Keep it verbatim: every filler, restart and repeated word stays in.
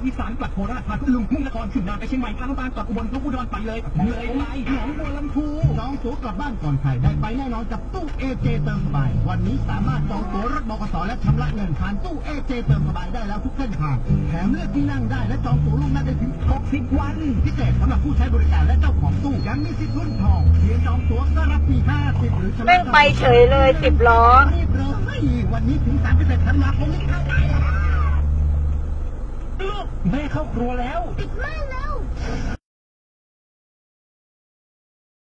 อีสานกลับโคราชพาขึ้นลุงมุ่งนครขึ้นนาไปเชียงใหม่พาน้ำตาลกลับอุบลเขาอุดรไปเลยเลยไปหนองบัวลำพูจองตั๋วกลับบ้านก่อนใครได้ไปแน่นอนกับตู้เอเจเติมสบายวันนี้สามารถจองตั๋วรถบขสและชำระเงินผ่านตู้เอเจเติมสบายได้แล้วทุกเส้นทางแถมเลือกที่นั่งได้และจองตั๋วล่วงหน้าได้ถึงหกสิบวันพิเศษสำหรับผู้ใช้บริการและเจ้าของตู้ยังมีสิทธิ์ลุ้นทองเพียงจองตั๋วก็รับฟรีห้าสิบหรือชำระแม่งไปเฉยเลยสิบล้อรีบเลยวันนี้ถึงสามสิบเอ็ดธันวาคมนี้เข้าได้ลูกแม่เข้าครัวแล้วติดมากเล